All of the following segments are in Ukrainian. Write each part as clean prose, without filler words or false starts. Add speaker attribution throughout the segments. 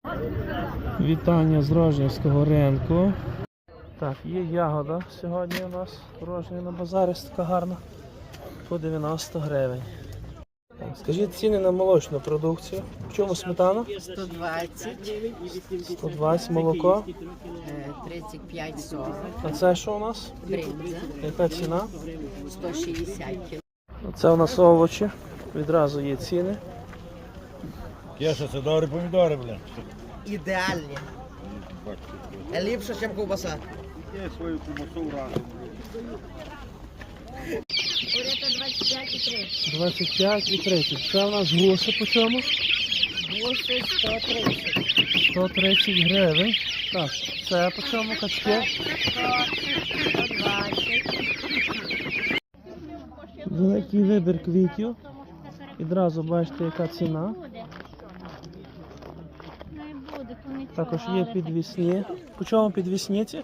Speaker 1: Вітання з Рожнівського ринку. Так, є ягода сьогодні у нас Рожнів на базарі, така гарна, по 90 гривень. Так, скажіть ціни на молочну продукцію. В чому сметана?
Speaker 2: 120,
Speaker 1: 120 молоко.
Speaker 2: 35-40,
Speaker 1: А це що у нас?
Speaker 2: бринза,
Speaker 1: Яка ціна?
Speaker 2: 160 кг.
Speaker 1: Це у нас овочі. Відразу є ціни.
Speaker 3: Кеша, це добрі помідори, бля.
Speaker 4: Ідеальні. Ліпше, ніж ковбаса.
Speaker 3: Я свою кумасу разом.
Speaker 2: Урята 25 і 30.
Speaker 1: 25 і 30. Це у нас гуси по чому?
Speaker 2: Гуси 130.
Speaker 1: 130 гривень. Так, це по чому качки?
Speaker 2: 120.
Speaker 1: Великий вибір квітів. Відразу бачите, яка ціна. Також є підвісні. По чому підвісниці?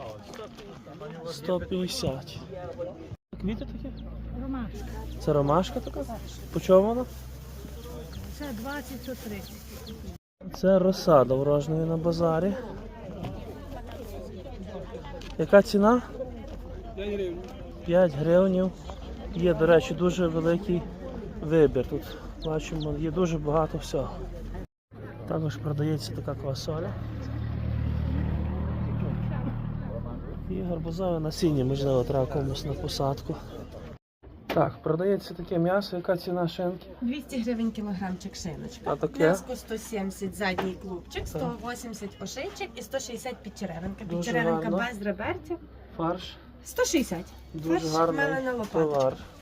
Speaker 1: 150. Квіти такі?
Speaker 5: Ромашка.
Speaker 1: Це ромашка така? По чому вона?
Speaker 5: Це 20-30.
Speaker 1: Це розсада в Рожневі на базарі. Яка ціна? 5 гривень. 5 гривень. Є, до речі, дуже великий вибір. Тут бачимо, є дуже багато всього. Також продається така квасоля. І гарбузове насіння, можливо, треба комусь на посадку. Так, продається таке м'ясо. Яка ціна шинки?
Speaker 6: 200 гривень кілограмчик шиночка.
Speaker 1: А таке?
Speaker 6: М'яско 170 задній клубчик, 180 ошейчик і 160 підчеревинка.
Speaker 1: Дуже
Speaker 6: Підчеревинка
Speaker 1: гарно.
Speaker 6: без реберців.
Speaker 1: Фарш.
Speaker 6: 160.
Speaker 1: Дуже
Speaker 6: Фарш
Speaker 1: гарний
Speaker 6: мелена лопаточка.
Speaker 1: товар.